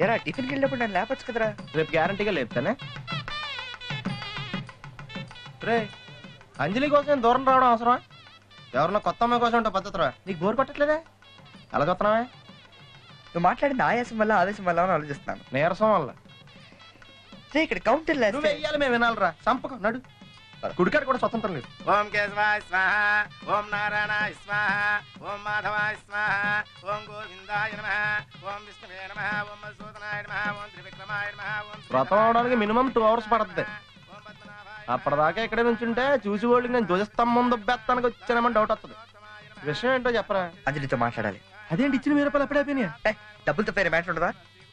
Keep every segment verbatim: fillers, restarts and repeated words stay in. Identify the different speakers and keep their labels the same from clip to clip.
Speaker 1: ఎరా టిఫిన్కి వెళ్ళినప్పుడు నన్ను లేపచ్చు కదరా.
Speaker 2: రేపు గ్యారంటీగా లేపుతానే. రే అంజలి కోసం దూరం రావడం అవసరమా? ఎవరన్నా కొత్త అమ్మాయి కోసం ఉంటా పద్ధతిరా. నీకు బోర్ కొట్టట్లేదే? అలా చూస్తున్నావే?
Speaker 1: నువ్వు మాట్లాడిన ఆయాసం వల్ల ఆవేశం వల్ల అని ఆలోచిస్తున్నాను.
Speaker 2: నీరసం వల్ల.
Speaker 1: రే ఇక్కడ కౌంటర్
Speaker 2: నువ్వు వెయ్యాలి, మేము వినాలిరా. సంపకం నడు. కుడికాడు కూడా స్వతంత్రం లేదు.
Speaker 3: ఓం కేశవాయ స్వాహ, ఓం నారాయణాయ స్వాహ, ఓం మాధవాయ స్వాహ, ఓం గోవిందాయ నమః, ఓం విష్ణువే నమః, ఓం మధుసూదనాయ నమః, ఓం త్రివిక్రమాయ నమః, ఓం
Speaker 2: వ్రతం అవడానికి మినిమం టూ అవర్స్ పడుతుంది. అప్పటిదాకా ఇక్కడే నుంచుంటే చూసి వాళ్ళకి నేను ధ్వజస్తంభం దుబ్బెత్తానికి వచ్చానమని డౌట్ వస్తుంది. విషయం ఏంటో చెప్పరా.
Speaker 1: అంజలితో మాట్లాడాలి.
Speaker 2: అదేంటి ఇచ్చిన వెయ్యి రూపాయలు ఎప్పుడైపోయినాయా?
Speaker 1: డబ్బులతో పేరు మ్యాటర్ ఉండదా?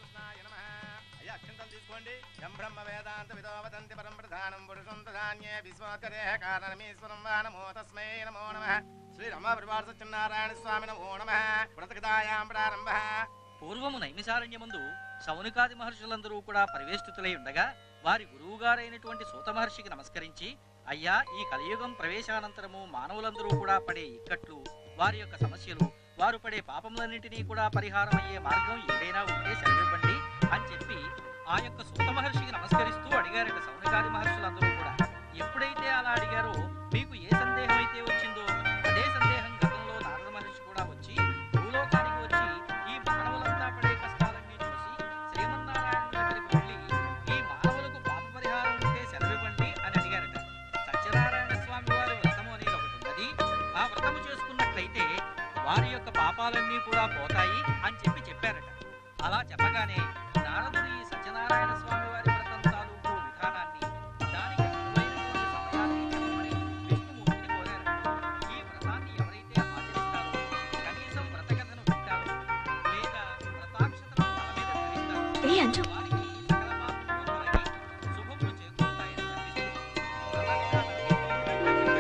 Speaker 4: పూర్వము నైమిసారణ్యమందు శౌనకాది మహర్షులందరూ కూడా పరివేష్టితులై ఉండగా వారి గురువుగారైనటువంటి సూత మహర్షికి నమస్కరించి, అయ్యా, ఈ కలియుగం ప్రవేశానంతరము మానవులందరూ కూడా పడే ఇక్కట్లు, వారి యొక్క సమస్యలు, వారు పడే పాపములన్నింటినీ కూడా పరిహారం అయ్యే మార్గం ఏదైనా ఉంటే సెలవివ్వండి అని చెప్పి ఆ యొక్క సూత మహర్షికి నమస్కరిస్తూ అడిగారట శౌనకాది మహర్షులందరూ కూడా. ఎప్పుడైతే అలా అడిగారో మీకు ఏ సందేహం అయితే వచ్చిందో అదే సందేహం గతంలో నారద మహర్షి కూడా వచ్చి భూలోకానికి వచ్చి ఈ మానవులంతా పడే కష్టాలన్నీ చూసి శ్రీమన్నారాయణ దగ్గరికి వెళ్ళి ఈ మానవులకు పాప పరిహారం ఉంటే సెలవివ్వండి అని అడిగారట. సత్యనారాయణ స్వామి వారి వ్రతము అనేది ఒకటి ఉన్నది. ఆ వ్రతము చేసుకున్నట్లయితే వారి యొక్క పాపాలన్నీ కూడా పోతాయి అని చెప్పి చెప్పారట. అలా చెప్పగానే నారదుడు ఈ సత్యనారాయణ స్వామి వారి వ్రతం తాలూకు విధానాన్ని, దానికి అనువైనటువంటి సమయాన్ని చెప్పమని విష్ణుమూర్తిని కోరారట. ఈ వ్రతాన్ని ఎవరైతే ఆచరిస్తారో, కనీసం వ్రతకథను వింటారో లేదా వ్రతాక్షతను తల మీద ధరిస్తారో వారికి సకల పాపములు తొలగి శుభములు చేకూరుతాయని వర్ణిస్తూ వ్రత విధానాన్ని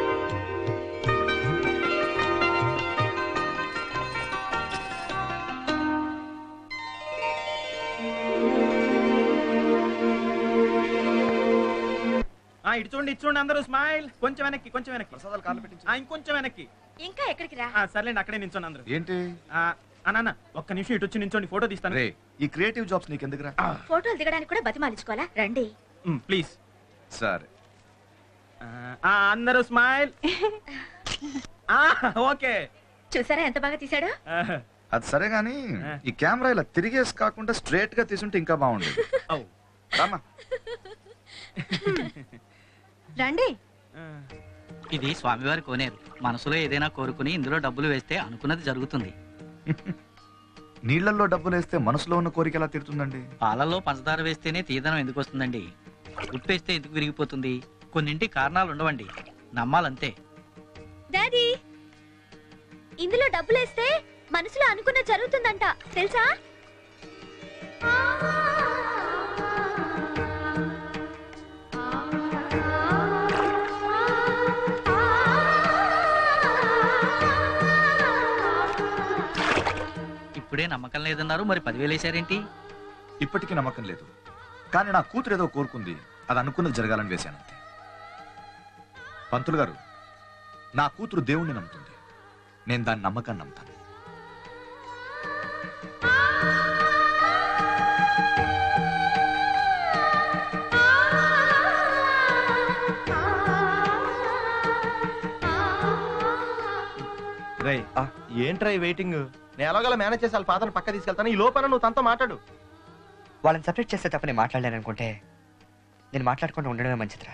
Speaker 3: ఇటు చూడండి, ఇటు చూడండి అందరూ. స్మైల్. కొంచెం వెనక్కి, కొంచెం వెనక్కి. ప్రసాదాలు కాళ్ళు పెట్టించు. ఇంకొంచెం వెనక్కి.
Speaker 5: ఇంకా ఎక్కడికి రా?
Speaker 3: సర్లేండి, అక్కడే నించోండి అందరూ.
Speaker 6: ఏంటి
Speaker 3: అన్న ఒక్క నిమిషం ఇటు వచ్చి నించోండి, ఫోటో తీస్తాను.
Speaker 6: ఈ క్రియేటివ్ జాబ్స్ నీకు ఎందుకురా?
Speaker 5: ఫోటోలు దిగడానికి కూడా బతిమాలించుకోవాలా? రండి
Speaker 3: ప్లీజ్.
Speaker 6: సరే
Speaker 3: అందరూ స్మైల్. ఓకే.
Speaker 5: చూసారా ఎంత బాగా తీసాడు?
Speaker 6: అది సరే గాని ఈ కెమెరా ఇలా తిరిగేసి కాకుండా స్ట్రైట్ గా తీసుంటే ఇంకా బాగుండేది. రామా
Speaker 5: రండి.
Speaker 4: ఇది స్వామివారి కోనేరు. మనసులో ఏదైనా కోరుకుని ఇందులో డబ్బులు వేస్తే అనుకున్నది జరుగుతుంది.
Speaker 6: నీళ్లలో డబ్బులు వేస్తే మనసులో ఉన్న కోరిక ఎలా తీరుతుందండి?
Speaker 4: పాలల్లో పంచదార వేస్తేనే తీదనం ఎందుకు వస్తుందండి? ఉప్పేస్తే ఎందుకు విరిగిపోతుంది? కొన్నింటి కారణాలు ఉండవండి, నమ్మాలంతే.
Speaker 5: డాడీ, ఇందులో డబ్బులేస్తే మనసులో అనుకున్న జరుగుతుందంట, తెలుసా?
Speaker 4: ఇప్పుడే నమ్మకం లేదన్నారు, మరి పదివేలు వేసారేంటి?
Speaker 6: ఇప్పటికీ నమ్మకం లేదు, కానీ నా కూతురు ఏదో కోరుకుంది, అది అనుకున్నది జరగాలని వేశానంతే. పంతులు గారు, నా కూతురు దేవుణ్ణి నమ్ముతుంది, నేను దాని నమ్మకాన్ని నమ్ముతాను.
Speaker 2: ఏంట్రా ఈ వెయిటింగ్? నేను ఎలాగోలా మేనేజ్ చేసి వాళ్ళ ఫాదర్ని పక్క తీసుకెళ్తాను. ఈ లోపల నువ్వు తనతో మాట్లాడు.
Speaker 1: వాళ్ళని సపరేట్ చేస్తే తప్ప నేను మాట్లాడలేను అనుకుంటే నేను మాట్లాడకుండా ఉండడమే మంచిదిరా.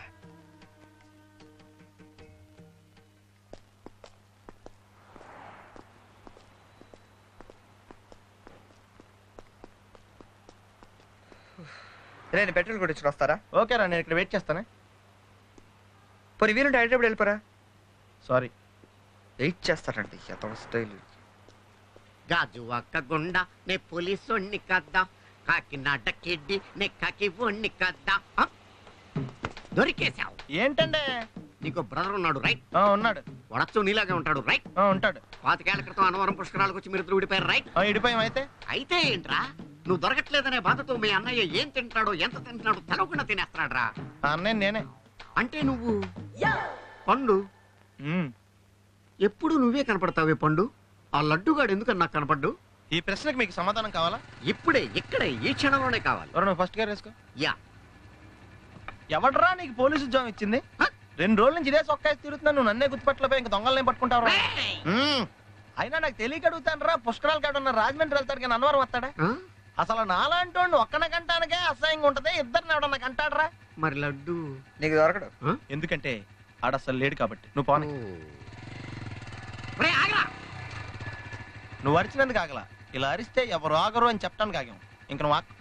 Speaker 1: నేను పెట్రోల్ కొట్టించుకుని వస్తారా?
Speaker 2: ఓకేరా, నేను ఇక్కడ వెయిట్ చేస్తానే.
Speaker 1: పోనీ వీలుంటే హైదరాబాద్ వెళ్ళిపోరా.
Speaker 2: సారీ,
Speaker 1: వెయిట్ చేస్తారండి. ఎంత స్టైల్.
Speaker 7: గాజు అక్క గుండ నే పోలీసోణ్ణి కద్దా, కాకినాడ కిడ్డి నే కాకి ఒణ్ణి కద్దా. దొరికేశావు.
Speaker 2: ఏంటంటే
Speaker 7: నీకు బ్రదర్ ఉన్నాడు రైట్?
Speaker 2: ఉన్నాడు.
Speaker 7: వడచ్చు నీలాగే ఉంటాడు రైట్?
Speaker 2: ఉంటాడు.
Speaker 7: పాతికేళ్ల క్రితం అనవరం పుష్కరాలకు వచ్చి మీరు విడిపోయారు రైట్?
Speaker 2: ఇడిపోయాం. అయితే
Speaker 7: అయితే ఏంట్రా, నువ్వు దొరకట్లేదనే బాధతో మీ అన్నయ్య ఏం తింటాడో ఎంత తింటున్నాడో తెలవకుండా తినేస్తాడ్రా.
Speaker 2: అన్నయ్య నేనే.
Speaker 7: అంటే నువ్వు పండు. ఎప్పుడు నువ్వే కనపడతావే పండు. ఆ లడ్డుగాడు ఎందుకని నాకు కనపడ్డు?
Speaker 2: ఈ ప్రశ్నకు మీకు సమాధానం కావాలా?
Speaker 7: ఇప్పుడే ఇక్కడే ఈ క్షణంలోనే కావాలి.
Speaker 2: ఎవరు ఫస్ట్ గేర్ వేసుకో.
Speaker 7: యా.
Speaker 2: ఎవడరా నీకు పోలీసు ఉద్యోగం ఇచ్చింది? రెండు రోజుల నుంచి ఇదే సొక్కాయి తిరుగుతున్నాను, నువ్వు నన్నే గుర్తుపట్టలేపోయి ఇంక దొంగలనే పట్టుకుంటావు. అయినా నాకు తెలియక అడుగుతాను రా, పుష్కరాలు కాడ ఉన్న రాజమండ్రి వెళ్తాడు కానీ అన్నవరం వస్తాడా? అసలు నాలాంటి వాడిని ఒక్కన కంటానికే అసహ్యంగా ఉంటది, ఇద్దరిని ఎవడన్నా కంటాడరా?
Speaker 7: మరి లడ్డు
Speaker 1: నీకు దొరకడు.
Speaker 2: ఎందుకంటే ఆడ అసలు లేడు కాబట్టి. నువ్వు పోనీ. నువ్వు అరిచినందుకు ఆగలా, ఇలా అరిస్తే ఎవరు ఆగరు అని చెప్పడానికి ఆగాం. ఇంక నువ్వు ఆగు.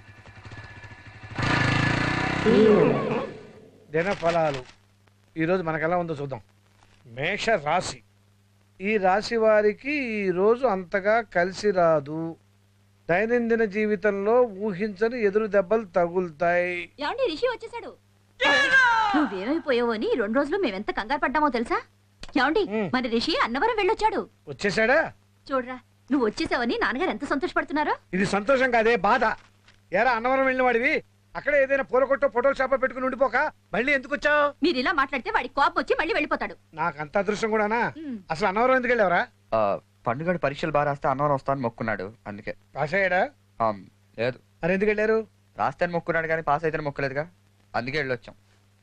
Speaker 8: దిన ఫలాలు ఈరోజు మనకెలా ఉందో చూద్దాం. మేష రాశి, ఈ రాశి వారికి ఈ రోజు అంతగా కలిసి రాదు. దైనందిన జీవితంలో ఊహించని ఎదురు దెబ్బలు తగులుతాయి.
Speaker 5: ఏమండి, రిషి వచ్చేసాడు. నువ్వేమైపోయావో అని రెండు రోజులు మేమెంత కంగారు పడ్డామో తెలుసా? ఏమండి, మన రిషి అన్నవరం వెళ్ళొచ్చాడు.
Speaker 8: వచ్చేసాడా?
Speaker 5: చూడరా, నువ్వు వచ్చేసావని నాన్నగారు ఎంత సంతోషపడుతున్నారో.
Speaker 8: ఇది సంతోషం కాదే, బాధ. ఎరా అన్నవరం వెళ్ళిన వాడివి అక్కడే ఏదైనా పూల కొట్టో ఫోటోలు షాపో పెట్టుకుని ఉండిపోక మళ్ళీ ఎందుకు వచ్చావు?
Speaker 5: మీరు ఇలా మాట్లాడితే వాడికి కోపం వచ్చి మళ్ళీ వెళ్ళిపోతాడు.
Speaker 8: నాకు అంత అదృష్టం కూడానా? అసలు అన్నవరం ఎందుకు వెళ్ళావరా?
Speaker 1: పండుగడు పరీక్షలు బాగా రాస్తే అన్నవరం వస్తాను మొక్కున్నాడు, అందుకే.
Speaker 8: పాస్ అయ్యాడా?
Speaker 1: లేదు.
Speaker 8: మరి ఎందుకు వెళ్ళారు?
Speaker 1: రాస్తాను మొక్కున్నాడు కానీ పాస్ అయితే మొక్కలేదుగా, అందుకే వెళ్ళొచ్చాం.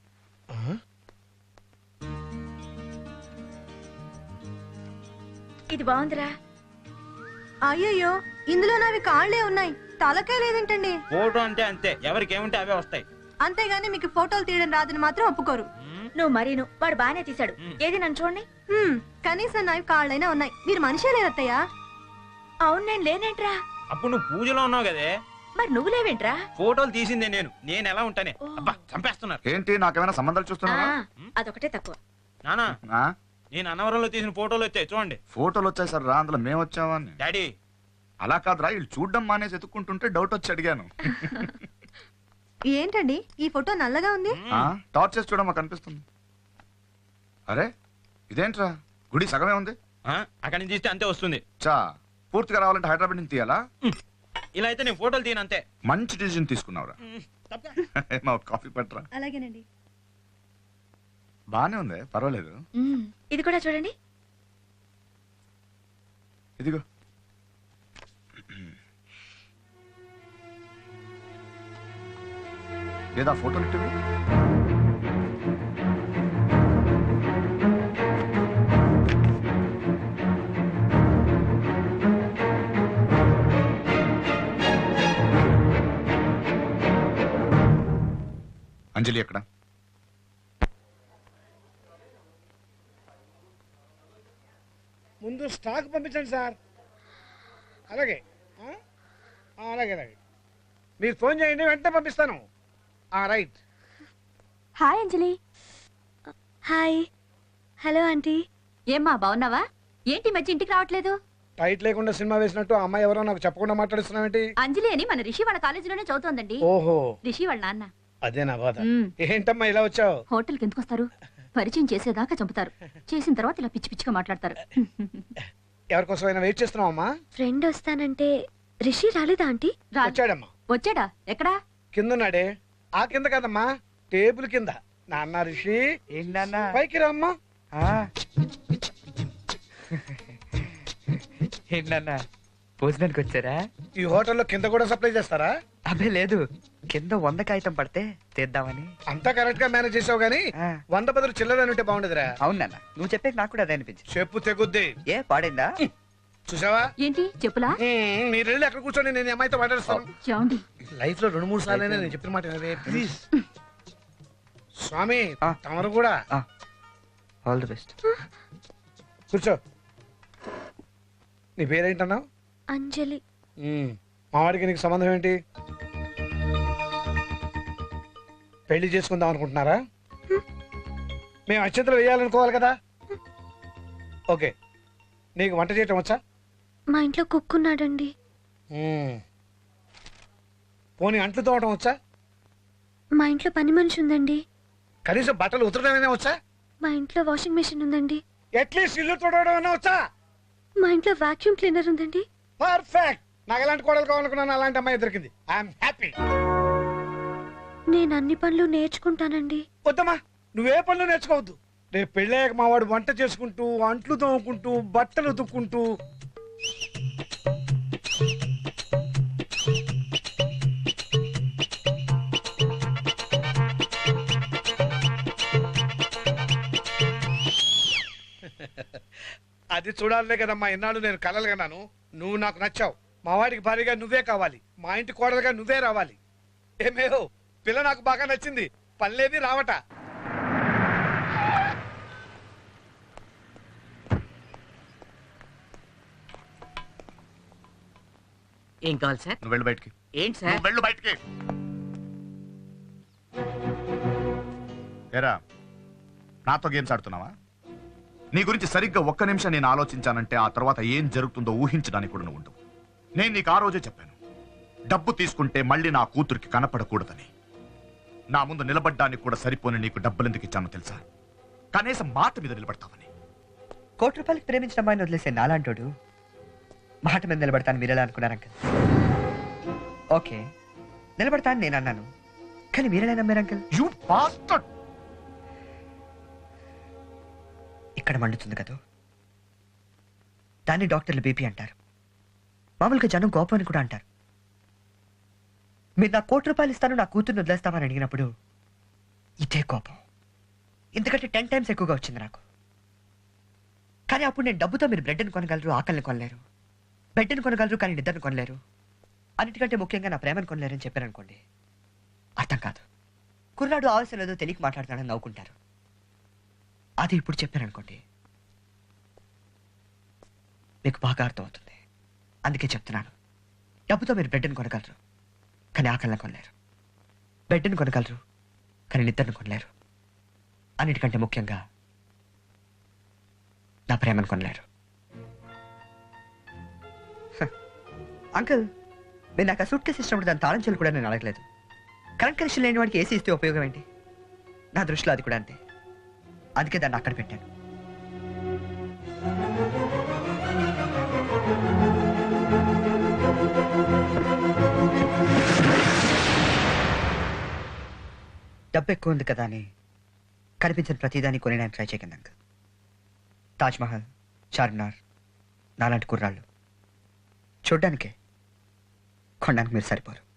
Speaker 5: ఇది బాగుందిరా.
Speaker 9: అయ్యయ్యో, ఇందులో నావి కాళ్లే ఉన్నాయి, తలకే లేదేంటండి?
Speaker 3: ఫోటో అంటే అంతే, ఎవరికి ఏముంటే అవే వస్తాయి.
Speaker 9: అంతేగాని మీకు ఫోటోలు తీయడం రాదని మాత్రం ఒప్పుకోరు.
Speaker 5: నువ్వు మరీను, వాడు బానే తీశాడు. ఏది నన్ను చూడండి.
Speaker 9: హ్మ్, కనీసం నావి కాళ్ళైనా ఉన్నాయి. మీరు మనిషే లేరత్తయ్యా?
Speaker 5: అవును, నేను లేనేంట్రా.
Speaker 3: అప్పుడు నువ్వు పూజలో ఉన్నావు కదే,
Speaker 5: మరి నువ్వు లేవేంట్రా?
Speaker 3: ఫోటోలు తీసిందే నేను. నేను ఎలా ఉంటానే? అబ్బా, చంపేస్తున్నారు.
Speaker 6: ఏంటి నాకేమైనా సంబంధాలు చూస్తున్నావా?
Speaker 5: అదొకటే తక్కువ.
Speaker 3: నానా,
Speaker 6: ఆ?
Speaker 3: నేను అన్నవరంలో తీసిన ఫోటోలు వచ్చాయి చూడండి.
Speaker 6: ఫోటోలు వచ్చాయి సార్ రా, అందులో మేము వచ్చావా అని.
Speaker 3: డాడీ,
Speaker 6: అలా కాదురా, వీళ్ళు చూడడం మానేసి ఎత్తుక్కుంటుంటే డౌట్ వచ్చి అడిగాను.
Speaker 9: ఏంటండి ఈ ఫోటో నల్లగా ఉంది?
Speaker 6: ఆ, టార్చ్ చేసి చూడమా కనిపిస్తుంది. అరే ఇదేంట్రా, గుడి సగమే ఉంది.
Speaker 3: ఆ, అక్కడి నుంచి తీస్తే అంతే వస్తుంది.
Speaker 6: చా, పూర్తిగా రావాలంటే హైదరాబాద్ నుంచి తీయాలా?
Speaker 3: ఇలా అయితే నేను ఫోటోలు తీయను అంతే.
Speaker 6: మంచి డిసిజన్ తీసుకున్నావురా. మా కాఫీ పట్టరా.
Speaker 9: అలాగేనండి.
Speaker 6: బానే ఉంది, పర్వాలేదు.
Speaker 5: ఇది కూడా చూడండి.
Speaker 6: ఇదిగో. ఏదా ఫోటోలు ఇట్టువి? అంజలి ఎక్కడ?
Speaker 8: ముందు స్టాక్ పంపించండి సార్. అలాగే ఆ? ఆ, అలాగే అలాగే మీరు ఫోన్ చేయండి, వెంటనే పంపిస్తాను. Right.
Speaker 5: Hi Anjali. Hi. Hello aunty. ఏమ్మా, బాగున్నావా? ఏంటి మధ్య ఇంటికి రావట్లేదు?
Speaker 8: టైట్ లేకుండా సినిమా వేసినట్టు ఆ అమ్మాయి ఎవరో నాకు చెప్పకుండా మాట్లాడుతున్నావేంటి?
Speaker 5: అంజలి అని మన రిషి వాళ్ళ కాలేజీలోనే చదువుతోందండి.
Speaker 8: ఓహో,
Speaker 5: రిషి వాళ్ళ నాన్న.
Speaker 8: అదే నా బాధ.
Speaker 5: మ్మ్.
Speaker 8: ఏంటమ్మా ఇలా వచ్చావు?
Speaker 5: హోటల్కి ఎందుకు వస్తారు? పరిచయం చేసేదాకా చంపుతారు, చేసిన తర్వాత ఇలా పిచ్చి పిచ్చిగా మాట్లాడతారు.
Speaker 8: ఎవరికోసమైనా వెయిట్ చేస్తున్నావు అమ్మా?
Speaker 5: ఫ్రెండ్ వస్తానంటే రిషి రాలేదా ఆంటీ?
Speaker 8: వచ్చాడమ్మా.
Speaker 5: వచ్చాడా? ఎక్కడా?
Speaker 8: కిందన్నాడే. ఆ కింద కదమ్మా, టేబుల్ కింద. నాన్న రిషి
Speaker 1: ఏంటన్నా?
Speaker 8: పైకి రామ్మా.
Speaker 1: ఏంటన్నా, భోజనానికి వచ్చారా?
Speaker 8: ఈ హోటల్లో కింద కూడా సప్లై చేస్తారా?
Speaker 1: అబ్బే లేదు, కింద వంద కాగితం పడితే తీద్దామని.
Speaker 8: అంతా కరెక్ట్ గా మేనేజ్ చేసావు గానీ
Speaker 1: ఆ.
Speaker 8: వంద బదులు చిల్లర ఉంటే బాగుండదురా.
Speaker 1: అవునన్న, నువ్వు చెప్పే నాకు కూడా అదే అనిపించింది.
Speaker 8: చెప్పు తెగుద్ది.
Speaker 1: ఏ పాడైందా?
Speaker 8: చూసావా?
Speaker 5: ఏంటి చెప్పులా?
Speaker 8: మ్మ్, మీరు వెళ్ళి అక్కడ కూర్చొని నేను ఈ అమ్మాయితో మాట్లాడుస్తాను.
Speaker 5: చూడండి,
Speaker 8: లైఫ్ లో రెండు మూడు సార్లు నేను చెప్పిన మాట వినవే, ప్లీజ్. స్వామి
Speaker 1: ఆ.
Speaker 8: తమరు కూడా
Speaker 1: ఆల్ ది బెస్ట్.
Speaker 8: కూర్చో. నీ పేరేంటన్నావు?
Speaker 5: అంజలి.
Speaker 8: మ్మ్, మావాడికి నీకు సంబంధం ఏంటి? పెళ్లి చేసుకుందాం అనుకుంటున్నారా? మేము అక్షంతలు వేయాలనుకోవాలి కదా. ఓకే, నీకు వంట చేయటం వచ్చా?
Speaker 5: మా ఇంట్లో కుక్కున్నాడండి.
Speaker 8: మ్మ్. పోనీ అంట్లు తోవటం వచ్చా?
Speaker 5: మా ఇంట్లో పని మనిషి ఉందండి.
Speaker 8: కనీసం బట్టలు ఉతరడమైనా వచ్చా?
Speaker 5: మా ఇంట్లో వాషింగ్ మెషిన్ ఉందండి.
Speaker 8: అట్లీస్ట్ ఇల్లు తోడవడం వచ్చా?
Speaker 5: మా ఇంట్లో వాక్యూమ్ క్లీనర్ ఉందండి.
Speaker 8: పర్ఫెక్ట్. నాకు ఎలాంటి కోడలు కావాలనుకున్నాను, అలాంటి అమ్మాయి దొరికింది. I'm happy.
Speaker 5: నేను అన్ని పనులు నేర్చుకుంటానండి.
Speaker 8: వద్దమ్మా, నువ్వే పనులు నేర్చుకోవద్దు. రేపు పెళ్ళాక మా వాడు వంట చేసుకుంటూ, అంట్లు తోముకుంటూ, బట్టలు ఉతుక్కుంటూ అది చూడాలనే కదమ్మా ఇన్నాళ్ళు నేను కలలు కన్నాను. నువ్వు నాకు నచ్చావు. మా వాడికి భారీగా నువ్వే కావాలి. మా ఇంటి కోడలుగా నువ్వే రావాలి. ఏమేహో పిల్ల నాకు బాగా నచ్చింది. పనిలేని రావట.
Speaker 7: ఏం కావాలి సార్?
Speaker 6: నువ్వు వెళ్ళు బయటికి.
Speaker 7: ఏంటి సార్?
Speaker 6: నువ్వు వెళ్ళు బయటికి. ఏరా నాతో గేమ్స్ ఆడుతున్నావా? నీ గురించి సరిగ్గా ఒక్క నిమిషం నేను ఆలోచించానంటే ఆ తర్వాత ఏం జరుగుతుందో ఊహించడానికి కూడా నువ్వు ఉండవు. నేను నీకు ఆ రోజే చెప్పాను, డబ్బు తీసుకుంటే మళ్ళీ నా కూతురికి కనపడకూడదని. నా ముందు నిలబడ్డానికి కూడా సరిపోని నీకు డబ్బులు ఎందుకు ఇచ్చానో తెలుసా? కనీసం మాట మీద నిలబడతావని.
Speaker 1: కోటి రూపాయలకి ప్రేమించిన అమ్మాయిని వదిలేసే నాలాంటోడు మాట మీద నిలబడతాను మీరెలా అనుకున్నారు అంకల్? ఓకే నిలబడతాను నేను అన్నాను, కానీ మీరెలా నమ్మారు అంకల్?
Speaker 6: You bastard.
Speaker 1: ఇక్కడ మండుతుంది కదా, దాన్ని డాక్టర్లు బీపీ అంటారు. మామూలుగా జనం కోపం అని కూడా అంటారు. మీరు నా కోటి రూపాయలు ఇస్తాను నా కూతుర్ని వదిలేస్తామని అడిగినప్పుడు ఇదే కోపం ఎందుకంటే టెన్ టైమ్స్ ఎక్కువగా వచ్చింది నాకు. కానీ అప్పుడు నేను డబ్బుతో మీరు బ్రెడ్ని కొనగలరు, ఆకలిని కొనలేరు. బెడ్ని కొనగలరు కానీ నిద్రను కొనలేరు. అన్నిటికంటే ముఖ్యంగా నా ప్రేమను కొనలేరని చెప్పారనుకోండి, అర్థం కాదు. కుర్రాడు ఆవశ్యం లేదో తెలియక మాట్లాడుతున్నాడని నవ్వుకుంటారు. అది ఇప్పుడు చెప్పారనుకోండి మీకు బాగా అర్థమవుతుంది. అందుకే చెప్తున్నాను, డబ్బుతో మీరు బ్రెడ్ని కొనగలరు కానీ ఆకలిని కొనలేరు. బెడ్ని కొనగలరు కానీ నిద్రను కొనలేరు. అన్నిటికంటే ముఖ్యంగా నా ప్రేమను కొనలేరు. అంకుల్ మీరు నాకు ఆ సూట్ కేసు ఇచ్చినప్పుడు దాని తాళం చెల్లు కూడా నేను అడగలేదు. కరెంట్ కనెక్షన్ లేని వాడికి ఏసీ ఇస్తే ఉపయోగం ఏంటి? నా దృష్టిలో అది కూడా అంతే. అందుకే దాన్ని అక్కడ పెట్టాను. డబ్బు ఎక్కువ ఉంది కదా అని కనిపించిన ప్రతిదాన్ని కొనేయడానికి ట్రై చేయకండి అంకుల్. తాజ్మహల్, చార్మినార్ నాలాంటి కుర్రాళ్ళు చూడ్డానికే కొనడానికి మీరు సరిపోరు.